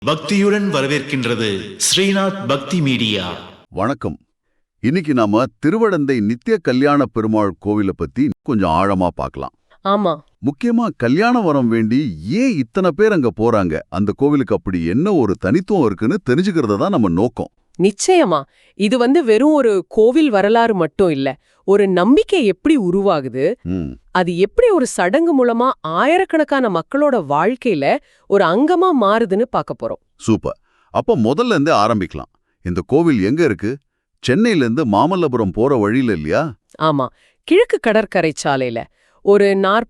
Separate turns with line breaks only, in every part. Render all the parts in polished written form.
பக்தியுடன் வரவேற்கின்றது ஸ்ரீநாத் பக்தி மீடியா.
வணக்கம். இன்னைக்கு நாம திருவடந்தை நித்திய கல்யாண பெருமாள் கோவிலை பத்தி கொஞ்சம் ஆழமா பார்க்கலாம்.
ஆமா,
முக்கியமா கல்யாண வரம் வேண்டி ஏன் இத்தனை பேர் அங்க போறாங்க, அந்த கோவிலுக்கு அப்படி என்ன ஒரு தனித்துவம் இருக்குன்னு தெரிஞ்சுக்கிறது தான் நம்ம நோக்கம்.
நிச்சயமா. இது வெறும் ஒரு கோவில் வரலாறு மட்டும் இல்ல, ஒரு நம்பிக்கை எப்படி உருவாகுது, அது எப்படி ஒரு சடங்கு மூலமா ஆயிரக்கணக்கான மக்களோட வாழ்க்கையில ஒரு அங்கமா மாறுதுன்னு பார்க்க போறோம்.
சூப்பர். அப்ப முதல்ல இருந்தே ஆரம்பிக்கலாம். இந்த கோவில் எங்க இருக்கு? சென்னையில இருந்து மாமல்லபுரம் போற வழியில இல்லையா?
ஆமா, கிழக்கு கடற்கரை சாலையில ஒரு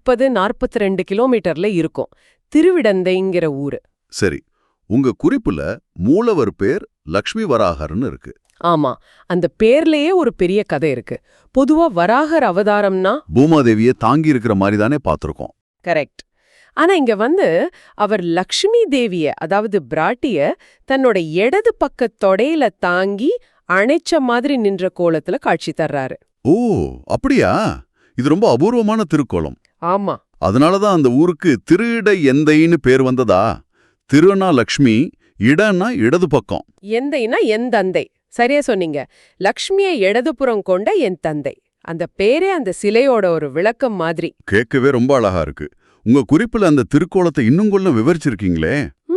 40-42 கிலோமீட்டர்ல இருக்கும் திருவிடந்தைங்கிற ஊரு.
சரி, உங்க குறிப்புல மூலவர் பேர் லக்ஷ்மி வராகர்னு இருக்கு.
ஆமா, அந்த பேர்லயே ஒரு பெரிய கதை இருக்கு. பொதுவா வராகர் அவதாரம்னா
பூமாதேவியை தாங்கி இருக்கிற மாதிரி தானே பார்த்திருக்கோம்.
கரெக்ட். ஆனா இங்க அவர் லக்ஷ்மி தேவிய, அதாவது பிராட்டிய தன்னோட இடது பக்க தொடையில தாங்கி அணைச்ச மாதிரி நின்ற கோலத்துல காட்சி தர்றாரு.
ஓ, அப்படியா? இது ரொம்ப அபூர்வமான திருக்கோலம்.
ஆமா,
அதனாலதான் அந்த ஊருக்கு திருஇட எந்தைன்னு பேர் வந்ததா? திருனா லக்ஷ்மி, இடன்னா இடது பக்கம்.
எந்தைனா என் தந்தை. சரியா சொன்னீங்க. லக்ஷ்மியை இடதுபுறம் கொண்ட என் தந்தை. அந்த பேரே அந்த சிலையோட ஒரு விளக்கம் மாதிரி.
கேட்கவே ரொம்ப அழகா இருக்கு. உங்க குறிப்புல அந்த திருக்கோலத்தை இன்னும் கொஞ்சம் விவரிச்சிருக்கீங்களே.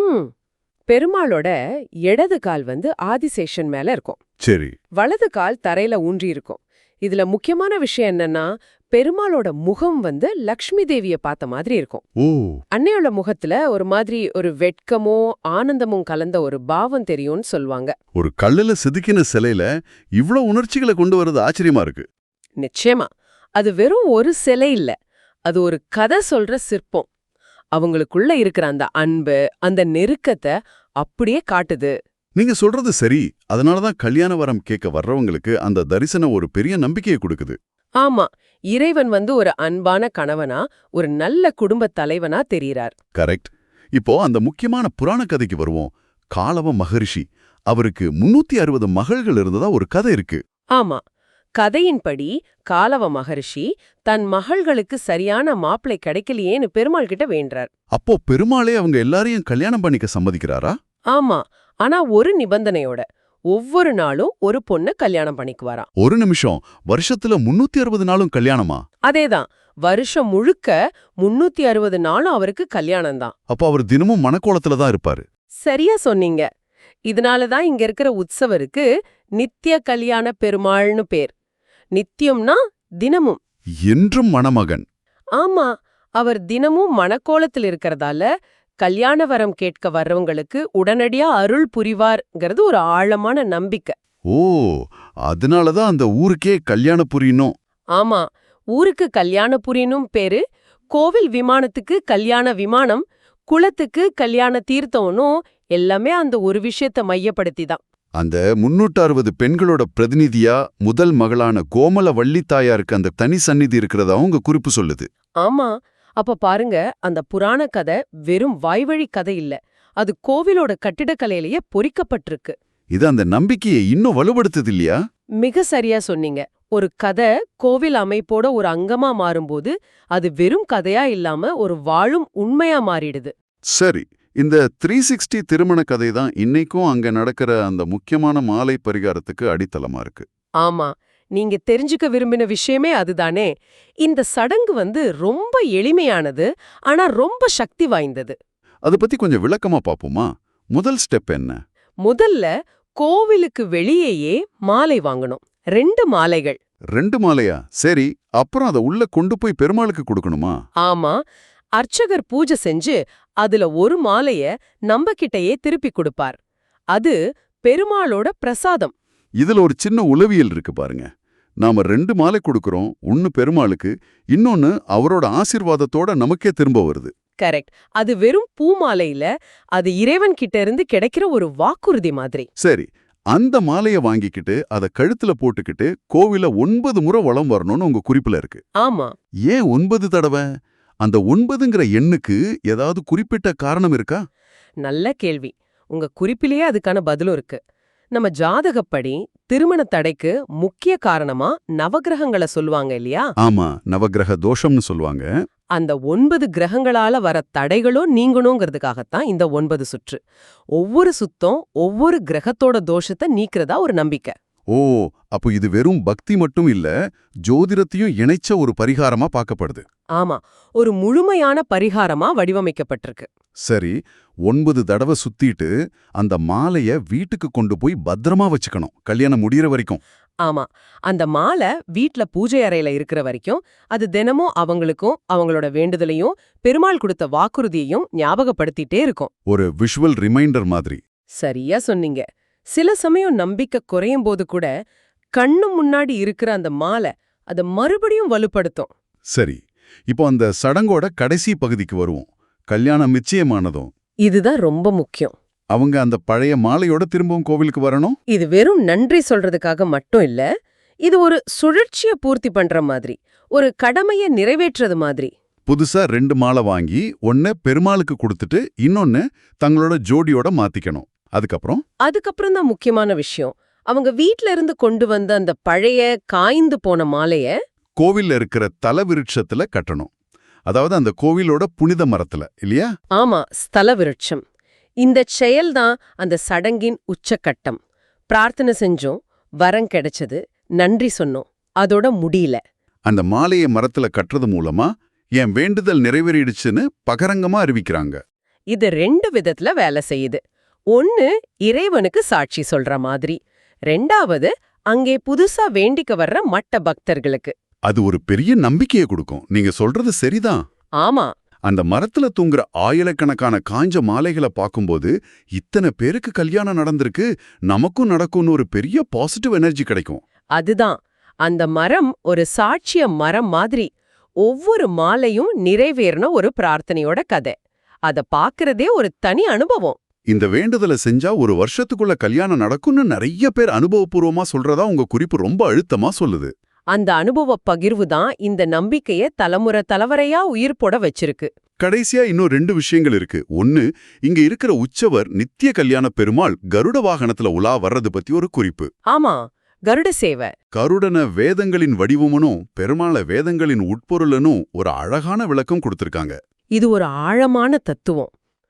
பெருமாளோட இடது கால் ஆதிசேஷன் மேல இருக்கும்.
சரி.
வலது கால் தரையில ஊன்றி இருக்கும். இதுல முக்கியமான விஷயம் என்னன்னா, பெருமாளோட முகம் லக்ஷ்மி தேவிய பார்த்த மாதிரி இருக்கும்.
ஓ.
அன்னையோட முகத்துல ஒரு மாதிரி ஒரு வெட்கமோ ஆனந்தமும் கலந்த ஒரு பாவம் தெரியும்னு சொல்வாங்க.
ஒரு கல்லுல செதுக்கின சிலையில இவ்ளோ உணர்ச்சிகளை கொண்டு வரது ஆச்சரியமா இருக்கு.
நிச்சயமா. அது வெறும் ஒரு சிலை இல்ல, அது ஒரு கதை சொல்ற சிற்பம். அவங்களுக்குள்ள இருக்கிற அந்த அன்பு, அந்த நெருக்கத்தை அப்படியே காட்டுது.
நீங்க சொல்றது சரி. அதனாலதான் கல்யாண வரம் கேட்க வர்றவங்களுக்கு அந்த தரிசனம் ஒரு பெரிய நம்பிக்கையை கொடுக்குது.
ஆமா, இறைவன் ஒரு அன்பான கணவனா, ஒரு நல்ல குடும்ப தலைவனா தெரிகிறார்.
கரெக்ட். இப்போ அந்த முக்கியமான புராண கதைக்கு வருவோம். காலவ மகரிஷி, அவருக்கு 360 மகள்கள் இருந்ததா ஒரு கதை இருக்கு.
ஆமா, கதையின்படி காலவ மகரிஷி தன் மகள்களுக்கு சரியான மாப்பிளை கிடைக்கலையேன்னு பெருமாள் கிட்ட வேண்டார்.
அப்போ பெருமாளே அவங்க எல்லாரையும் கல்யாணம் பண்ணிக்க சம்மதிக்கிறாரா?
ஆமா, ஆனா ஒரு நிபந்தனையோட. ஒவ்வொரு நாளும் ஒரு பொண்ணு கல்யாணம் பண்ணிக்குவாராம்.
ஒரு நிமிஷம், வருஷத்துல 360 நாளும் கல்யாணமா?
அதேதான், வருஷம் முழுக்க 360 நாளும் அவருக்கு கல்யாணம் தான்.
அப்போ அவர் தினமும் மணக்கோலத்துல தான் இருப்பாரு.
சரியா சொன்னீங்க. இதனாலதான் இங்க இருக்கிற உற்சவருக்கு நித்திய கல்யாண பெருமாள்னு பேர். நித்தியம்னா தினமும்,
என்றும் மணமகன்.
ஆமா, அவர் தினமும் மணக்கோலத்தில் இருக்கிறதால கல்யாண வரம் கேட்க வர்றவங்களுக்கு உடனடியா அருள் புரிவார்ங்கிறது ஒரு ஆழமான நம்பிக்கை.
ஓ, அதனாலதான் அந்த ஊருக்கே கல்யாண புரியணும்.
ஆமா, ஊருக்கு கல்யாணபுரினும் பேரு. கோவில் விமானத்துக்கு கல்யாண விமானம், குளத்துக்கு கல்யாண தீர்த்தம்னும் எல்லாமே அந்த ஒரு விஷயத்தை மையப்படுத்தி தான்.
அந்த 360 பெண்களோட பிரதிநிதியா முதல் மகளான கோமல வள்ளித்தாயாருக்கு அந்த தனி சந்நிதி இருக்கிறதா உங்க குறிப்பு சொல்லுது.
ஆமா, அப்ப பாருங்க, அந்த புராண கதை வெறும் வாய்வழி கதை இல்ல, அது கோவிலோட கட்டிடக்கலையிலேயே பொறிக்கப்பட்டிருக்கு.
இது அந்த நம்பிக்கையை இன்னும் வலுப்படுத்துது இல்லையா?
மிக சரியா சொன்னீங்க. ஒரு கதை கோவில் அமைப்போட ஒரு அங்கமா மாறும்போது அது வெறும் கதையா இல்லாம ஒரு வாழும் உண்மையா மாறிடுது.
சரி, இந்த 360 திருமண கதை தான் இன்னைக்கும் அங்க நடக்கிற அந்த முக்கியமான மாலை பரிகாரத்துக்கு அடித்தளமா இருக்கு.
ஆமா, நீங்க தெரிஞ்சுக்க விரும்பின விஷயமே அதுதானே. இந்த சடங்கு ரொம்ப எளிமையானது, ஆனா ரொம்ப சக்தி வாய்ந்தது.
அதை பத்தி கொஞ்சம் விளக்கமா பாப்போமா? முதல் ஸ்டெப் என்ன?
முதல்ல கோவிலுக்கு வெளியேயே மாலை வாங்கணும். 2 மாலைகள்.
2 மாலையா? சரி, அப்புறம் அதை உள்ள கொண்டு போய் பெருமாளுக்கு கொடுக்கணுமா?
ஆமா, அர்ச்சகர் பூஜை செஞ்சு அதுல ஒரு மாலைய நம்பகிட்டயே திருப்பி கொடுப்பார். அது பெருமாளோட பிரசாதம்.
இதுல ஒரு சின்ன உளவியல் இருக்கு பாருங்க. நாம 2 மாலை கொடுக்கறோம், ஒன்னு பெருமாளுக்கு, இன்னொன்னு அவரோட ஆசீர்வாதத்தோட நமக்கே திரும்ப வருது.
கரெக்ட். அது வெறும் பூ மாலை இல்ல, அது இறைவன் கிட்ட இருந்து கிடைக்கிற ஒரு வாக்குறுதி மாதிரி.
சரி, அந்த மாலைய வாங்கிக்கிட்டு அத கழுத்துல போட்டுக்கிட்டு கோவில 9 முறை வலம் வரணும்னு உங்க குறிப்புல இருக்கு.
ஆமா.
ஏன் 9 தடவை? அந்த 9ங்கிற எண்ணுக்கு ஏதாவது குறிப்பிட்ட காரணம் இருக்கா?
நல்ல கேள்வி. உங்க குறிப்பிலேயே அதுக்கான பதிலும் இருக்கு. நம்ம ஜாதகப்படி திருமண தடைக்கு முக்கிய காரணமா நவக்கிரகங்களை சொல்லுவாங்க இல்லையா?
ஆமா, நவக்கிரக தோஷம்னு சொல்லுவாங்க.
அந்த 9 கிரகங்களால வர தடைகளும் நீங்கணுங்கிறதுக்காகத்தான் இந்த 9 சுற்று. ஒவ்வொரு சுத்தம் ஒவ்வொரு கிரகத்தோட தோஷத்தை நீக்கிறதா ஒரு நம்பிக்கை.
ஓ, அப்போ இது வெறும் பக்தி மட்டும் இல்ல, ஜோதிடத்தையும் இணைச்ச ஒரு பரிகாரமா பார்க்கப்படுது.
ஆமா, ஒரு முழுமையான பரிகாரமா வடிவமைக்கப்பட்டிருக்கு.
சரி, 9 தடவை சுத்திட்டு அந்த மாலைய வீட்டுக்கு கொண்டு போய் பத்திரமா வச்சுக்கணும், கல்யாணம் முடியற வரைக்கும்.
ஆமா, அந்த மாலை வீட்ல பூஜை அறையில இருக்கிற வரைக்கும் அது தினமும் அவங்களுக்கும் அவங்களோட வேண்டுதலையும் பெருமாள் கொடுத்த வாக்குறுதியையும் ஞாபகப்படுத்திட்டே இருக்கும்.
ஒரு விஷுவல் ரிமைண்டர் மாதிரி.
சரியா சொன்னீங்க. சில சமயம் நம்பிக்கை குறையும் போது கூட கண்ணு முன்னாடி இருக்கிற அந்த மாலை அதை மறுபடியும் வலுப்படுத்தும்.
சரி, இப்போ அந்த சடங்கோட கடைசி பகுதிக்கு வருவோம். கல்யாணம் நிச்சயமானதும்
இதுதான் ரொம்ப முக்கியம்.
அவங்க அந்த பழைய மாலையோட திரும்பவும் கோவிலுக்கு வரணும்.
இது வெறும் நன்றி சொல்றதுக்காக மட்டும் இல்ல, இது ஒரு சுழற்சியை பூர்த்தி பண்ற மாதிரி, ஒரு கடமையை நிறைவேற்றது மாதிரி.
புதுசா 2 மாலை வாங்கி ஒன்ன பெருமாளுக்கு கொடுத்துட்டு இன்னொன்னு தங்களோட ஜோடியோட மாத்திக்கணும். அதுக்கப்புறம்
தான் முக்கியமான விஷயம். அவங்க வீட்ல இருந்து கொண்டு வந்த அந்த பழைய காய்ந்து போன மாலைய
கோவில்ல இருக்கிற தலவிருட்சத்துல கட்டணும். அதாவது அந்த கோவிலோட புனித மரத்துல, இல்லையா?
ஆமா, ஸ்தல விருட்சம். இந்த செயல்தான் அந்த சடங்கின் உச்சக்கட்டம். பிரார்த்தனை செஞ்சோம், வரம் கிடைச்சது, நன்றி சொன்னோம், அதோட முடியல.
அந்த மாலையை மரத்துல கட்டுறது மூலமா என் வேண்டுதல் நிறைவேறிடுச்சுன்னு பகரங்கமா அறிவிக்கிறாங்க.
இது 2 விதத்துல வேலை செய்யுது. ஒன்னு, இறைவனுக்கு சாட்சி சொல்ற மாதிரி. 2வது, அங்கே புதுசா வேண்டிக்க வர்ற மட்ட பக்தர்களுக்கு.
அது ஒரு பெரிய நம்பிக்கையை கொடுக்கும். நீங்க சொல்றது சரிதான்.
ஆமா,
அந்த மரத்துல தூங்குற ஆயிரக்கணக்கான காஞ்ச மாலைகளை பார்க்கும்போது இத்தனை பேருக்கு கல்யாணம் நடந்திருக்கு, நமக்கும் நடக்கும்னு ஒரு பெரிய பாசிட்டிவ் எனர்ஜி கிடைக்கும்.
அதுதான். அந்த மரம் ஒரு சாட்சிய மரம் மாதிரி. ஒவ்வொரு மாலையும் நிறைவேறின ஒரு பிரார்த்தனையோட கதை. அத பாக்குறதே ஒரு தனி அனுபவம்.
இந்த வேண்டுதலை செஞ்சா ஒரு வருஷத்துக்குள்ள கல்யாணம் நடக்கும்னு நிறைய பேர் அனுபவபூர்வமா சொல்றதா உங்க குறிப்பு ரொம்ப அழுத்தமா சொல்லுது.
அந்த அனுபவ பகிர்வு தான் இந்த நம்பிக்கையை தலைமுறை தலைவரையா உயிர் போட வச்சிருக்கு.
கடைசியா இன்னும் 2 விஷயங்கள் இருக்கு. ஒன்னு, இங்க இருக்கிற உற்சவர் நித்திய கல்யாண பெருமாள் கருட வாகனத்துல உலா வர்றது பத்தி ஒரு குறிப்பு.
ஆமா, கருட சேவை.
கருடன வேதங்களின் வடிவமனும் பெருமாள வேதங்களின் உட்பொருளனும் ஒரு அழகான விளக்கம் கொடுத்திருக்காங்க.
இது ஒரு ஆழமான தத்துவம்.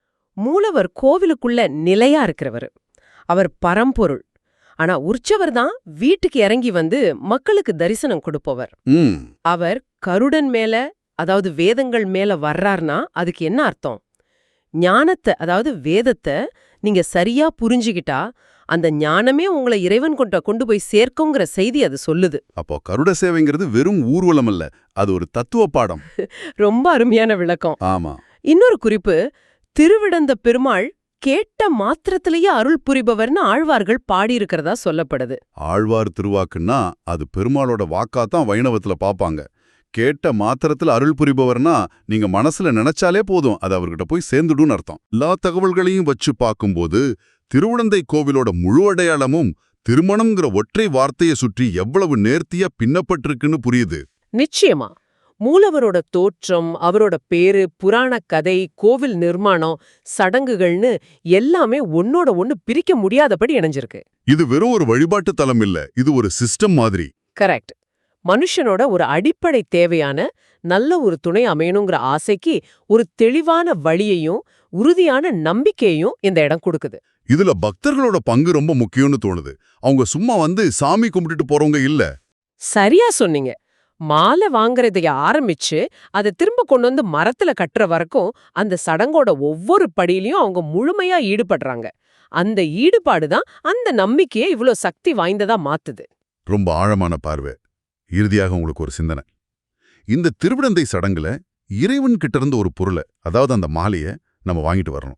மூலவர் கோவிலுக்குள்ள நிலையா இருக்கிறவர், அவர் பரம்பொருள். ஆனா உற்சவர் தான் வீட்டுக்கு இறங்கி வந்து மக்களுக்கு தரிசனம் கொடுப்பவர். அவர் கருடன் மேல, அதாவது வேதங்கள் மேல வர்றார்னா அதுக்கு என்ன அர்த்தம்? ஞானத்தை, அதாவது வேதத்தை நீங்க சரியா புரிஞ்சுகிட்டா அந்த ஞானமே உங்களை இறைவன் கொண்டு போய் சேர்க்குங்கிற செய்தி அது சொல்லுது.
அப்போ கருட சேவைங்கிறது வெறும் ஊர்வலம் அல்ல, அது ஒரு தத்துவ பாடம்.
ரொம்ப அருமையான விளக்கம்.
ஆமா.
இன்னொரு குறிப்பு, திருவிடந்த பெருமாள் கேட்ட மாத்திரத்திலேயே அருள் புரிபவர்னு ஆழ்வார்கள் பாடியிருக்கிறதா சொல்லப்படுது.
ஆழ்வார் திருவாக்குன்னா அது பெருமாளோட வாக்காத்தான் வைணவத்துல பாப்பாங்க. கேட்ட மாத்திரத்துல அருள் புரிபவர்னா நீங்க மனசுல நினைச்சாலே போதும், அது அவர்கிட்ட போய் சேர்ந்துடும் அர்த்தம். எல்லா தகவல்களையும் வச்சு பார்க்கும்போது திருவுடந்தை கோவிலோட முழு அடையாளமும் திருமணம்ங்கிற ஒற்றை வார்த்தையை சுற்றி எவ்வளவு நேர்த்தியா பின்னப்பட்டிருக்குன்னு புரியுது.
நிச்சயமா. மூலவரோட தோற்றம், அவரோட பேரு, புராண கதை, கோவில் நிர்மாணம், சடங்குகள்னு எல்லாமே ஒன்னோட ஒன்னு பிரிக்க முடியாதபடி இணைஞ்சிருக்கு.
இது வெறும் ஒரு வழிபாட்டு தலம் இல்ல, இது ஒரு சிஸ்டம் மாதிரி.
கரெக்ட். மனுஷனோட ஒரு அடிப்படை தேவையான நல்ல ஒரு துணை அமையணுங்கிற ஆசைக்கு ஒரு தெளிவான வழியையும் உறுதியான நம்பிக்கையையும் இந்த இடம் கொடுக்குது.
இதுல பக்தர்களோட பங்கு ரொம்ப முக்கியம்னு தோணுது. அவங்க சும்மா வந்து சாமி கும்பிட்டுட்டு போறவங்க இல்ல.
சரியா சொன்னீங்க. மாலை வாங்குறதைய ஆரம்பிச்சு அதை திரும்ப கொண்டு வந்து மரத்துல கட்டுற வரைக்கும் அந்த சடங்கோட ஒவ்வொரு படியிலையும் அவங்க முழுமையா ஈடுபடுறாங்க. அந்த ஈடுபாடு தான் அந்த நம்பிக்கையை இவ்ளோ சக்தி வாய்ந்ததா மாத்துது.
ரொம்ப ஆழமான பார்வை. இறுதியாக உங்களுக்கு ஒரு சிந்தனை. இந்த திருவிடந்தை சடங்குல இறைவன் கிட்ட இருந்து ஒரு பொருளை, அதாவது அந்த மாலைய நம்ம வாங்கிட்டு வரணும்.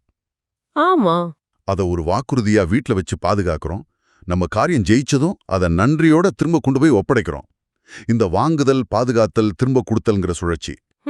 ஆமா,
அதை ஒரு வாக்குறுதியா வீட்ல வச்சு பாதுகாக்கிறோம். நம்ம காரியம் ஜெயிச்சதும் அதை நன்றியோட திரும்ப கொண்டு போய் ஒப்படைக்கிறோம். இந்த வாங்குதல், பாதுகாத்தல், திரும்ப கொடுத்தல்ங்கிற சுழற்சி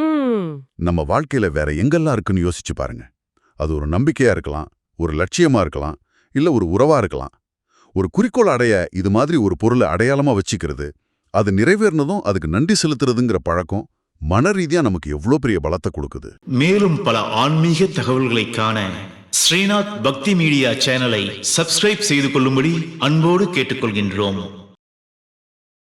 நம்ம வாழ்க்கையில வேற எங்கெல்லாம் இருக்குன்னு யோசிச்சு பாருங்க. அது ஒரு நம்பிக்கையா இருக்கலாம், ஒரு லட்சியமா இருக்கலாம், இல்ல ஒரு உறவா இருக்கலாம். ஒரு குறிக்கோள் அடைய இது மாதிரி ஒரு பொருளை அடையாளமா வச்சுக்கிறது, அது நிறைவேறினதும் அதுக்கு நன்றி செலுத்துறதுங்கிற பழக்கம் மன ரீதியா நமக்கு எவ்வளோ பெரிய பலத்தை கொடுக்குது.
மேலும் பல ஆன்மீக தகவல்களை காண ஸ்ரீநாத் பக்தி மீடியா சேனலை சப்ஸ்கிரைப் செய்து கொள்ளும்படி அன்போடு கேட்டுக்கொள்கின்றோம்.